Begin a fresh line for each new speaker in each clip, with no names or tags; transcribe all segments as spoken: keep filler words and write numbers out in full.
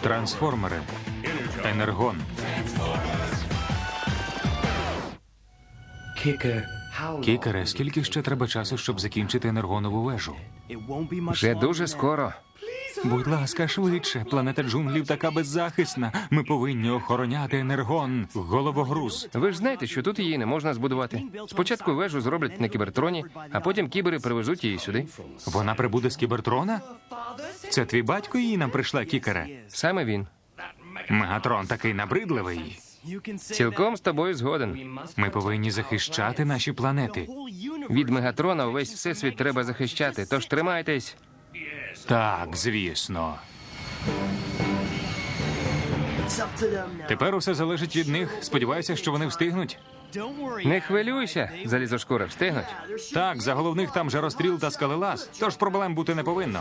Трансформери. Енергон. Кікере, скільки ще треба часу, щоб закінчити енергонову вежу?
Вже дуже скоро.
Будь ласка, швидше. Планета джунглів така беззахисна. Ми повинні охороняти енергон. Головогруз.
Ви ж знаєте, що тут її не можна збудувати. Спочатку вежу зроблять на кібертроні, а потім кібери привезуть її сюди.
Вона прибуде з кібертрона? Це твій батько її нам прийшла, Кікере?
Саме він.
Мегатрон такий набридливий.
Цілком з тобою згоден.
Ми повинні захищати наші планети.
Від Мегатрона увесь всесвіт треба захищати, тож тримайтесь.
Так, звісно. Тепер усе залежить від них. Сподіваюся, що вони встигнуть.
Не хвилюйся, залізошкури, встигнуть.
Так, за головних там жаростріл та скалелаз, тож проблем бути не повинно.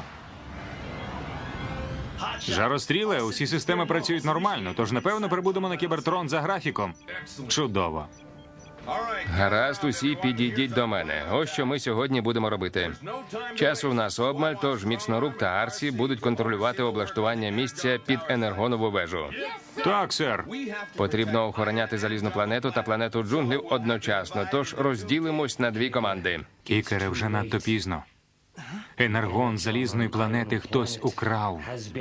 Жаростріле, усі системи працюють нормально, тож напевно прибудемо на кібертрон за графіком. Чудово.
Гаразд, усі підійдіть до мене. Ось що ми сьогодні будемо робити. Часу в нас обмаль, тож Міцнорук та Арсі будуть контролювати облаштування місця під енергонову вежу.
Так, сер.
Потрібно охороняти залізну планету та планету джунглів одночасно, тож розділимось на дві команди.
Кікере, вже надто пізно. Енергон залізної планети хтось украв.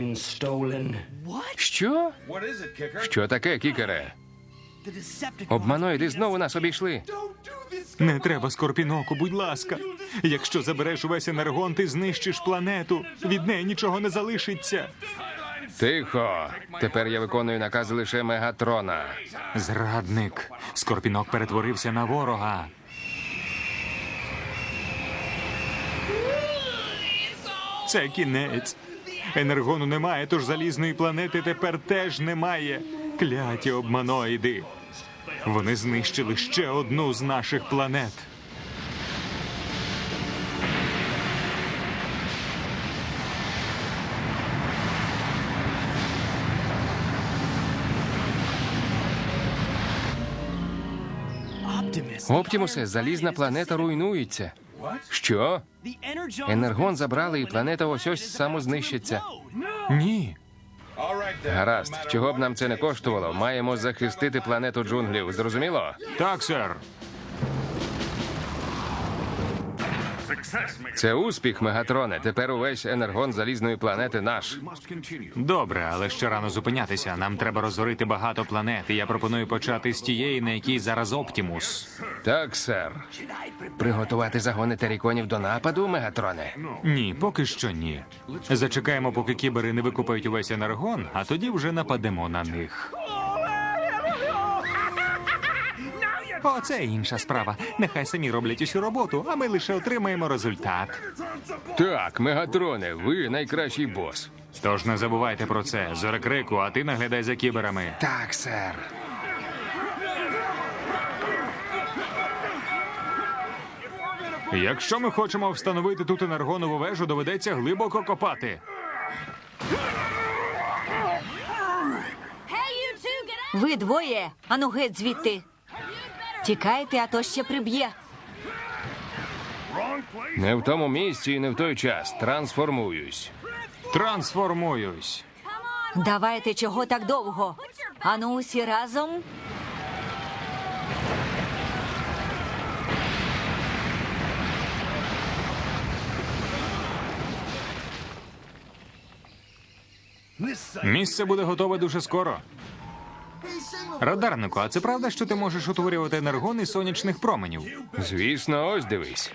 Що? Що таке, Кікере? Обманоїди знову нас обійшли.
Не треба, Скорпіноку, будь ласка. Якщо забереш увесь енергон, ти знищиш планету. Від неї нічого не залишиться.
Тихо. Тепер я виконую накази лише Мегатрона.
Зрадник. Скорпінок перетворився на ворога. Це кінець. Енергону немає, тож залізної планети тепер теж немає. Кляті обманоїди. Вони знищили ще одну з наших планет.
Оптімусе, залізна планета руйнується. Що? Енергон забрали, і планета ось-ось самознищиться.
Ні.
Гаразд, чого б нам це не коштувало, маємо захистити планету джунглів. Зрозуміло?
Так, сер.
Це успіх, Мегатроне. Тепер увесь енергон залізної планети наш.
Добре, але ще рано зупинятися. Нам треба розорити багато планет, і я пропоную почати з тієї, на якій зараз Оптімус.
Так, сер. Приготувати загони теріконів до нападу, Мегатроне?
Ні, поки що ні. Зачекаємо, поки кібери не викупають увесь енергон, а тоді вже нападемо на них. О, це інша справа. Нехай самі роблять усю роботу, а ми лише отримаємо результат.
Так, Мегатроне, ви найкращий бос.
Тож не забувайте про це. Зорекрику, а ти наглядай за кіберами.
Так, сер.
Якщо ми хочемо встановити тут енергонову вежу, доведеться глибоко копати.
Ви двоє, ану геть звідти. Тікайте, а то ще приб'є.
Не в тому місці і не в той час. Трансформуюсь.
Трансформуюсь.
Давайте, чого так довго? Ану, усі разом.
Місце буде готове дуже скоро. Радарнику, а це правда, що ти можеш утворювати енергон із сонячних променів?
Звісно, ось дивись.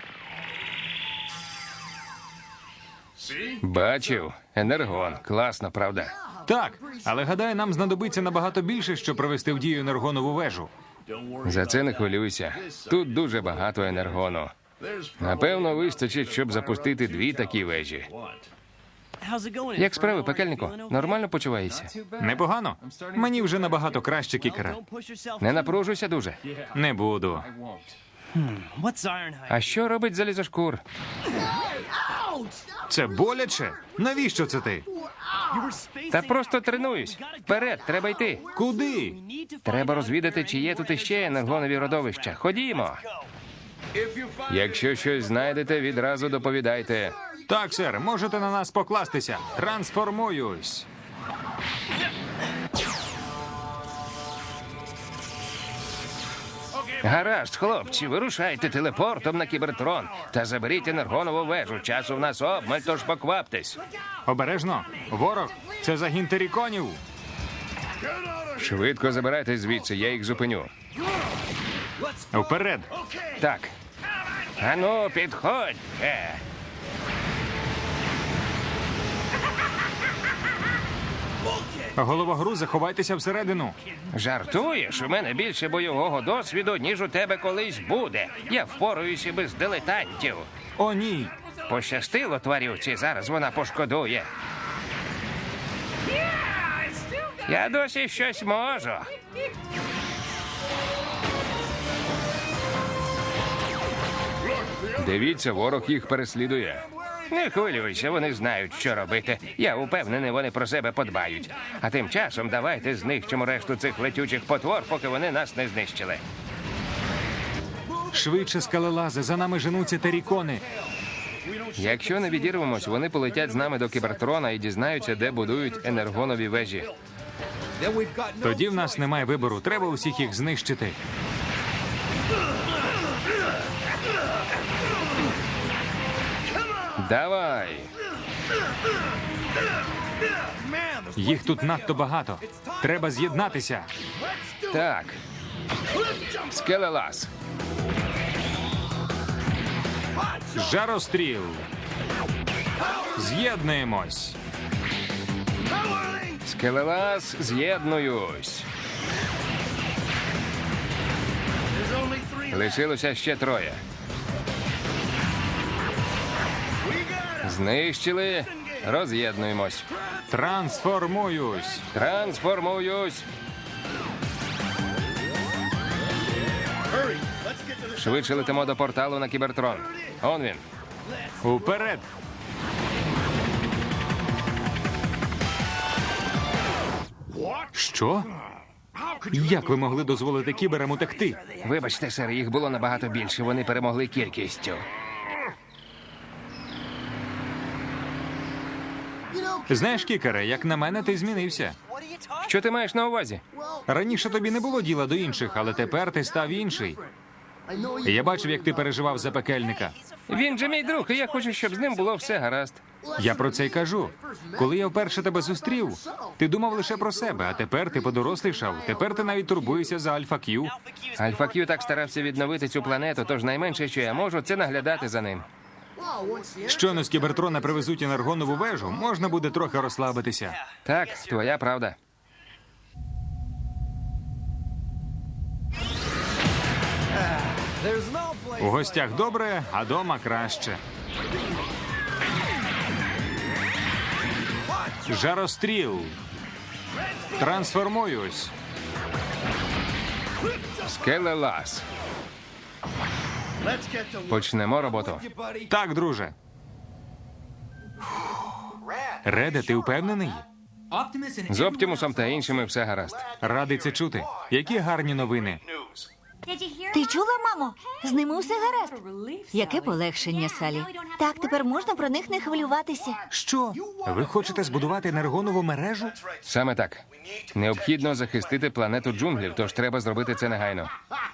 Бачив? Енергон. Класно, правда?
Так, але гадаю, нам знадобиться набагато більше, щоб провести в дію енергонову вежу.
За це не хвилюйся. Тут дуже багато енергону. Напевно, вистачить, щоб запустити дві такі вежі. Як справи, пекельнику? Нормально почуваєшся?
Непогано. Мені вже набагато краще, Кікере.
Не напружуйся дуже.
Не буду.
А що робить залізошкур?
Це боляче? Навіщо це ти?
Та просто тренуюсь. Вперед, треба йти.
Куди?
Треба розвідати, чи є тут іще енергонові родовища. Ходімо. Якщо щось знайдете, відразу доповідайте.
Так, сер, можете на нас покластися. Трансформуюсь.
Гаразд, хлопці, вирушайте телепортом на Кібертрон та заберіть енергонову вежу. Часу в нас обмаль, тож покваптесь.
Обережно. Ворог. Це загін теріконів.
Швидко забирайтесь звідси, я їх зупиню.
Вперед.
Так. Ану, підходьте.
Головогрузе, ховайтеся всередину.
Жартуєш? У мене більше бойового досвіду, ніж у тебе колись буде. Я впораюся без дилетантів.
О, ні.
Пощастило тварюці, зараз вона пошкодує. Я досі щось можу. Дивіться, ворог їх переслідує. Не хвилюйся, вони знають, що робити. Я упевнений, вони про себе подбають. А тим часом давайте знищимо решту цих летючих потвор, поки вони нас не знищили.
Швидше, скалелази, за нами женуться терікони.
Якщо не відірвемось, вони полетять з нами до Кібертрона і дізнаються, де будують енергонові вежі.
Тоді в нас немає вибору. Треба усіх їх знищити.
Давай!
Їх тут надто багато. Треба з'єднатися.
Так. Скелелаз.
Жаростріл. З'єднуємось.
Скелелаз, з'єднуюсь. Лишилося ще троє. Знищили. Роз'єднуємось.
Трансформуюсь.
Трансформуюсь. Швидше летимо до порталу на Кібертрон. Он він.
Уперед. Що? Як ви могли дозволити кіберам утекти?
Вибачте, сер, їх було набагато більше. Вони перемогли кількістю.
Знаєш, кікере, як на мене, ти змінився.
Що ти маєш на увазі?
Раніше тобі не було діла до інших, але тепер ти став інший. Я бачив, як ти переживав за пекельника.
Він же мій друг, і я хочу, щоб з ним було все гаразд.
Я про це й кажу. Коли я вперше тебе зустрів, ти думав лише про себе, а тепер ти подорослішав. Тепер ти навіть турбуєшся за Альфа Кью.
Альфа Кью так старався відновити цю планету, тож найменше, що я можу, це наглядати за ним.
Щойно з Кібертрона привезуть енергонову вежу, можна буде трохи розслабитися.
Так, твоя правда.
У гостях добре, а дома краще. Жаростріл. Трансформуюсь.
Скелелаз. Почнемо роботу.
Так, друже. Реде, ти впевнений?
З Оптімусом та іншими все гаразд.
Радий це чути. Які гарні новини.
Ти чула, мамо? З ними все гаразд. Яке полегшення, Салі. Так, тепер можна про них не хвилюватися.
Що? Ви хочете збудувати енергонову мережу?
Саме так. Необхідно захистити планету джунглів, тож треба зробити це негайно.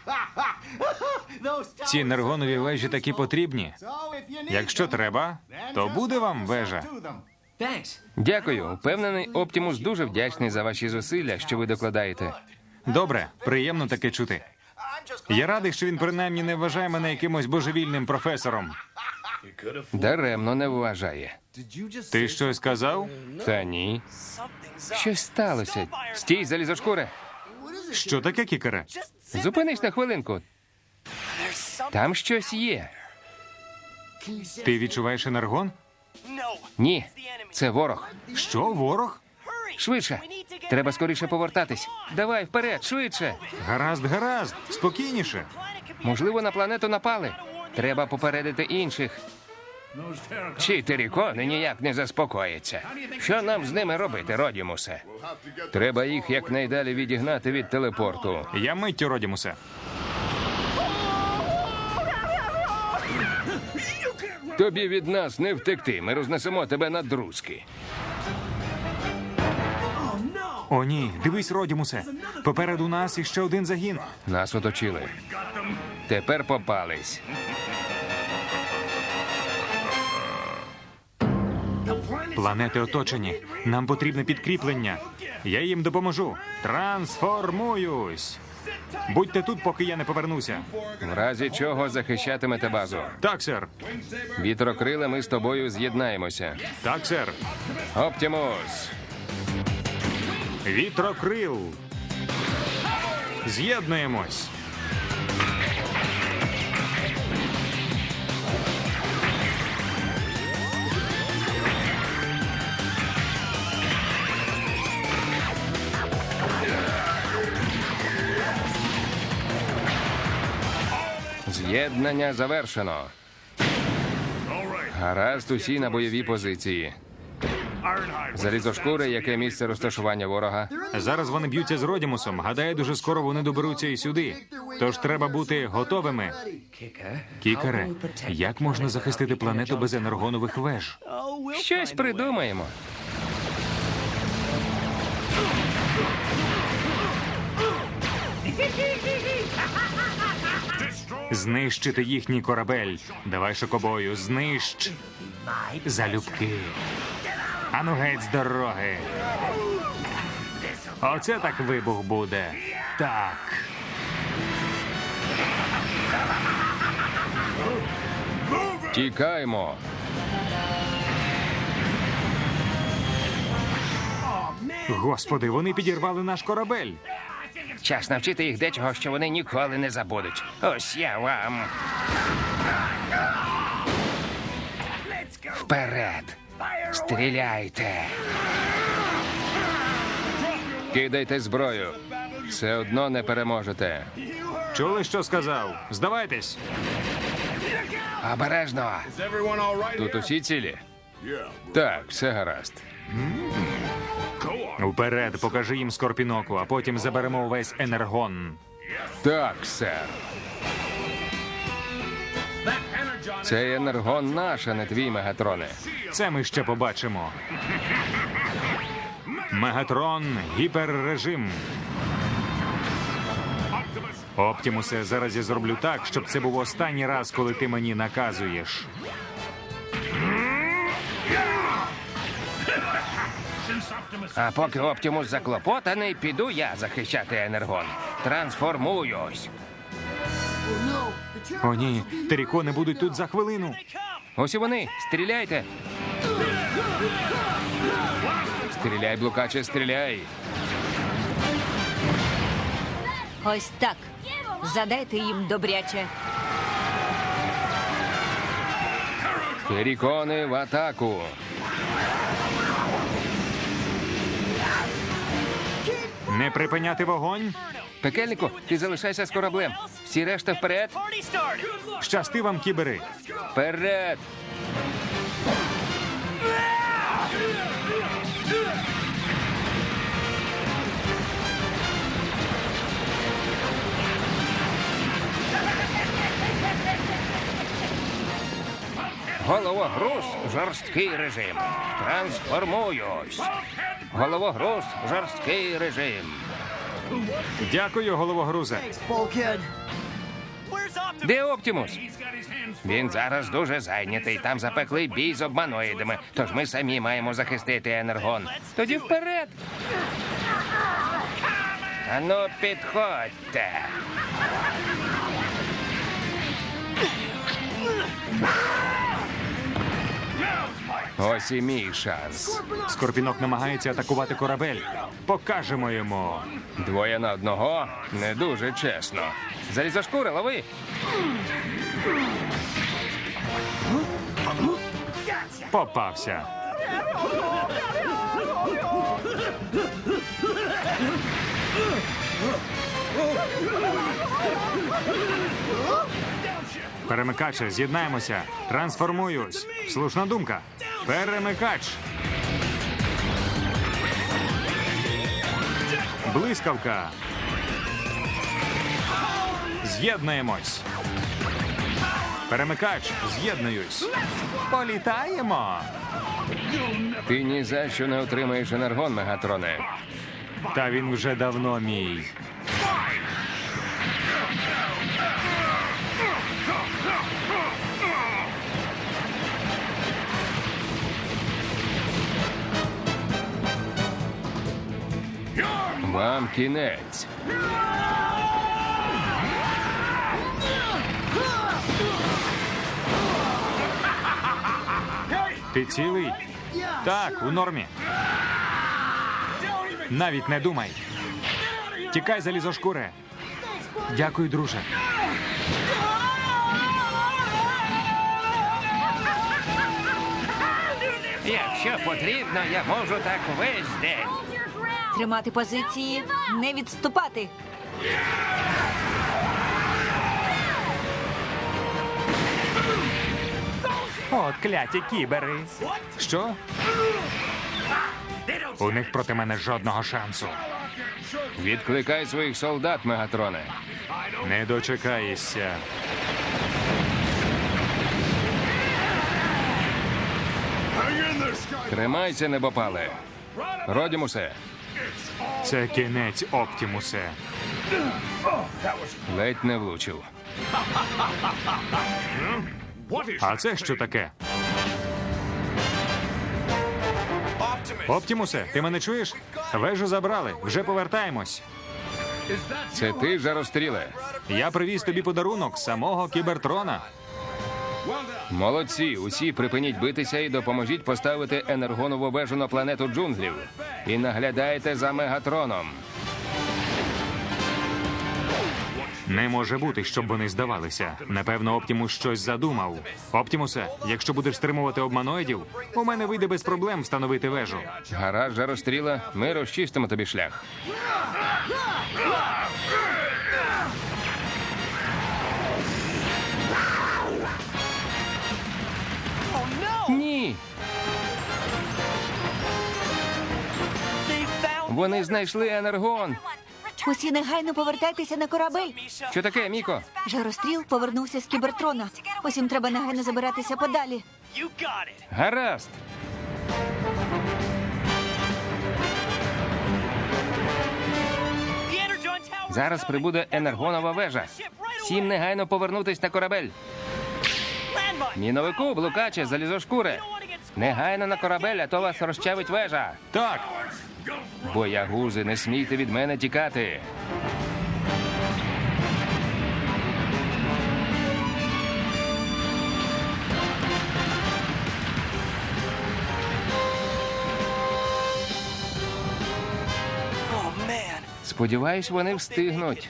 Ці енергонові вежі такі потрібні. Якщо треба, то буде вам вежа.
Дякую. Упевнений, Оптімус дуже вдячний за ваші зусилля, що ви докладаєте.
Добре, приємно таке чути. Я радий, що він принаймні не вважає мене якимось божевільним професором.
Даремно не вважає.
Ти щось сказав?
Та ні. Щось сталося. Стій, залізошкуре.
Що таке, кікере?
Зупинись на хвилинку. Там щось є.
Ти відчуваєш енергон?
Ні, це ворог.
Що, ворог?
Швидше. Треба скоріше повертатись. Давай, вперед, швидше.
Гаразд, гаразд, спокійніше.
Можливо, на планету напали. Треба попередити інших. Ці терікони ніяк не заспокояться. Що нам з ними робити, Родімусе? Треба їх якнайдалі відігнати від телепорту.
Я миттю, Родімусе.
Тобі від нас не втекти. Ми рознесемо тебе на друзки.
О, ні, дивись, Родімусе. Попереду нас іще один загін.
Нас оточили. Тепер попались.
Планети оточені. Нам потрібне підкріплення. Я їм допоможу. Трансформуюсь. Будьте тут, поки я не повернуся.
В разі чого захищатимете базу.
Так, сер.
Вітрокриле, ми з тобою з'єднаємося.
Так, сер.
Оптімус!
Вітрокрил. З'єднуємось.
З'єднання завершено. Гаразд, усі на бойові позиції. Залізошкури, яке місце розташування ворога?
Зараз вони б'ються з Родімусом. Гадаю, дуже скоро вони доберуться і сюди. Тож треба бути готовими. Кікере, як можна захистити планету без енергонових веж?
Щось придумаємо.
Знищити їхній корабель. Давай, шокобою, знищ. Залюбки. Ану геть з дороги. Оце так вибух буде. Так.
Тікаємо.
Господи, вони підірвали наш корабель.
Час навчити їх дечого, що вони ніколи не забудуть. Ось я вам. Вперед! Стріляйте! Кидайте зброю. Все одно не переможете.
Чули, що сказав? Здавайтесь.
Обережно! Тут усі цілі? Так, все гаразд.
Вперед, покажи їм Скорпіноку, а потім заберемо увесь енергон.
Так, сер. Цей енергон наш, а не твій, Мегатроне.
Це ми ще побачимо. Мегатрон, гіперрежим. Оптімусе, зараз я зроблю так, щоб це був останній раз, коли ти мені наказуєш.
А поки Оптімус заклопотаний, піду я захищати енергон. Трансформуюсь.
О, ні, терікони будуть тут за хвилину.
Ось і вони. Стріляйте. Стріляй, блукаче, стріляй.
Ось так. Задайте їм добряче.
Терікони в атаку.
Не припиняти вогонь.
Пекельнику, ти залишайся з кораблем. Всі решта вперед.
Щасти вам, кібери.
Вперед. Головогруз, жорсткий режим. Трансформуюсь. Головогруз, жорсткий режим.
Дякую, головогрузе.
Де Оптімус? Він зараз дуже зайнятий. Там запеклий бій з обманоїдами. Тож ми самі маємо захистити енергон. Тоді вперед. Ану, підходьте. Ось і мій шанс.
Скорпінок намагається атакувати корабель. Покажемо йому.
Двоє на одного не дуже чесно. Залізошкури, лови.
Попався. Перемикаче, з'єднаємося. Трансформуюсь. Слушна думка. Перемикач. Блискавка. З'єднуємось. Перемикач, з'єднуюсь. Політаємо.
Ти ні за що не отримаєш енергон, Мегатроне.
Та він вже давно мій.
Вам кінець.
Ти цілий? Так, у нормі. Навіть не думай. Тікай, залізошкуре. Дякую, друже.
Якщо потрібно, я можу так весь день.
Тримати позиції, не відступати.
От кляті кібери. Що? У них проти мене жодного шансу.
Відкликай своїх солдат, Мегатроне.
Не дочекаєшся.
Тримайся, небопале. Родімусе,
Це кінець, Оптімусе.
ледь не влучив.
А це що таке? Оптімусе, ти мене чуєш? Вежу забрали, вже повертаємось.
Це ти, жаростріле?
Я привіз тобі подарунок самого Кібертрона.
Молодці, усі припиніть битися і допоможіть поставити енергонову вежу на планету джунглів. І наглядайте за Мегатроном.
Не може бути, щоб вони здавалися. Напевно, Оптімус щось задумав. Оптімусе, якщо будеш стримувати обманоїдів, у мене вийде без проблем встановити вежу.
Гаразд, жаростріла, ми розчистимо тобі шлях. Ні. Вони знайшли енергон.
Усі негайно повертайтеся на корабель.
Що таке, Міко?
Жаростріл повернувся з Кібертрона. Усім треба негайно забиратися подалі.
Гаразд. Зараз прибуде енергонова вежа. Всім негайно повернутись на корабель. Міновику, блукаче, залізошкуре. Негайно на корабель, а то вас розчавить вежа.
Так,
Боягузи, не смійте від мене тікати. Сподіваюсь, вони встигнуть.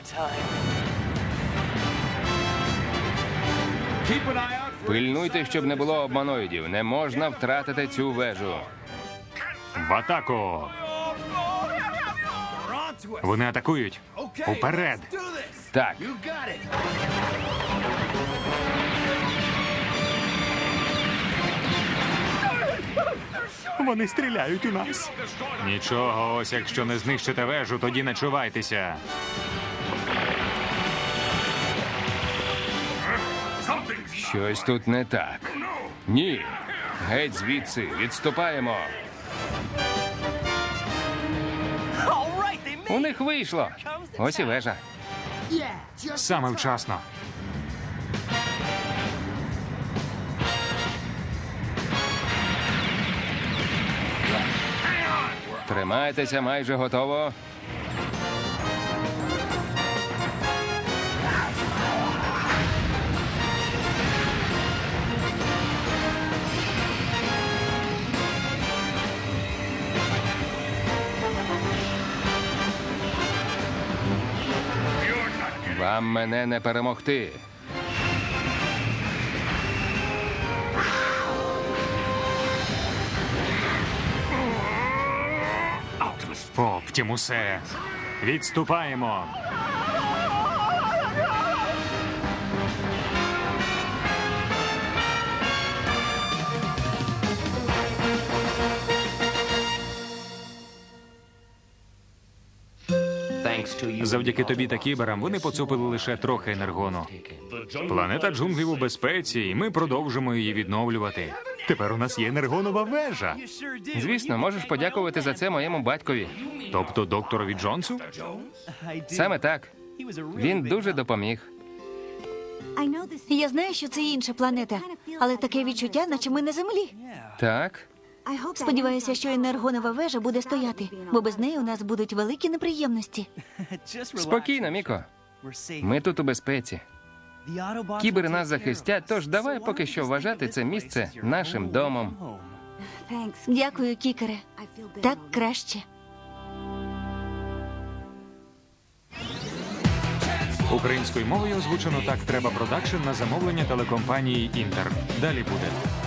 Пильнуйте, щоб не було обманоїдів. Не можна втратити цю вежу.
в атаку. Вони атакують. Уперед.
Так,
Вони стріляють у нас. Нічого, ось якщо не знищите вежу, тоді не чувайтеся.
щось тут не так. Ні. Геть звідси. Відступаємо. У них вийшло. Ось і вежа.
Саме вчасно.
Тримайтеся, майже готово. Вам мене не перемогти.
Оптімусе, відступаємо. Завдяки тобі та кіберам вони поцупили лише трохи енергону. Планета джунглів у безпеці, і ми продовжимо її відновлювати. Тепер у нас є енергонова вежа.
Звісно, можеш подякувати за це моєму батькові.
Тобто докторові Джонсу?
Саме так. Він дуже допоміг.
Я знаю, що це інша планета, але таке відчуття, наче ми на землі.
Так.
Сподіваюся, що енергонова вежа буде стояти, бо без неї у нас будуть великі неприємності.
Спокійно, Міко. Ми тут у безпеці. Кібери нас захистять, тож давай поки що вважати це місце нашим домом.
Дякую, кікере. Так краще.
Українською мовою озвучено «Так треба» продакшн на замовлення телекомпанії «Інтер». Далі буде.